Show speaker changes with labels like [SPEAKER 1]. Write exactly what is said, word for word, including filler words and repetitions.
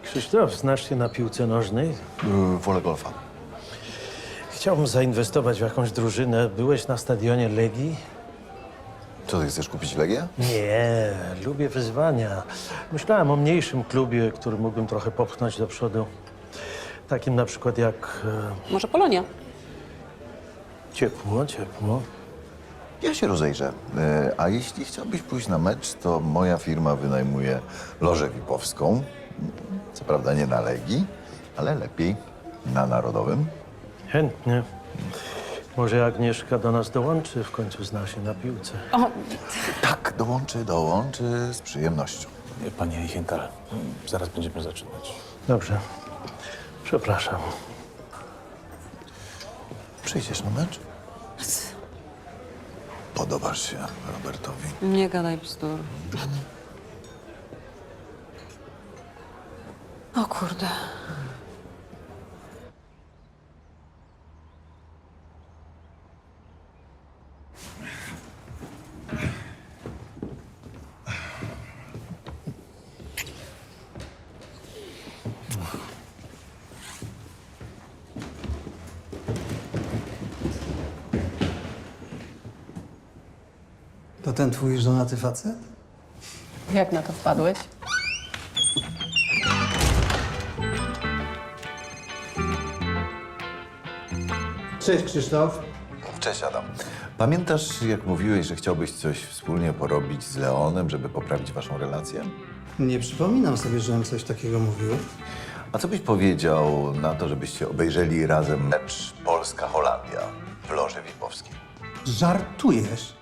[SPEAKER 1] Krzysztof, znasz się na piłce nożnej?
[SPEAKER 2] Yy, wolę golfa.
[SPEAKER 1] Chciałbym zainwestować w jakąś drużynę. Byłeś na stadionie Legii?
[SPEAKER 2] Co, ty chcesz kupić Legię?
[SPEAKER 1] Nie, lubię wyzwania. Myślałem o mniejszym klubie, który mógłbym trochę popchnąć do przodu. Takim na przykład jak... e,
[SPEAKER 3] Może Polonia?
[SPEAKER 1] ciepło, ciepło.
[SPEAKER 2] Ja się rozejrzę. Yy, a jeśli chciałbyś pójść na mecz, to moja firma wynajmuje lożę vipowską. Co prawda nie na Legii, ale lepiej na Narodowym.
[SPEAKER 1] Chętnie. Może Agnieszka do nas dołączy, w końcu zna się na piłce.
[SPEAKER 3] O,
[SPEAKER 2] Tak, dołączy, dołączy z przyjemnością.
[SPEAKER 4] Panie Eichenthal, zaraz będziemy zaczynać.
[SPEAKER 1] Dobrze. Przepraszam.
[SPEAKER 2] Przyjdziesz na mecz? Podobasz się Robertowi.
[SPEAKER 3] nie gadaj bzdur. O kurde.
[SPEAKER 5] To ten twój żonaty facet?
[SPEAKER 3] Jak na to wpadłeś?
[SPEAKER 5] Cześć, Krzysztof.
[SPEAKER 2] Cześć, Adam. Pamiętasz, jak mówiłeś, że chciałbyś coś wspólnie porobić z Leonem, żeby poprawić waszą relację?
[SPEAKER 5] Nie przypominam sobie, żebym coś takiego mówił.
[SPEAKER 2] A co byś powiedział na to, żebyście obejrzeli razem mecz Polska-Holandia w loży vipowskiej?
[SPEAKER 5] Żartujesz?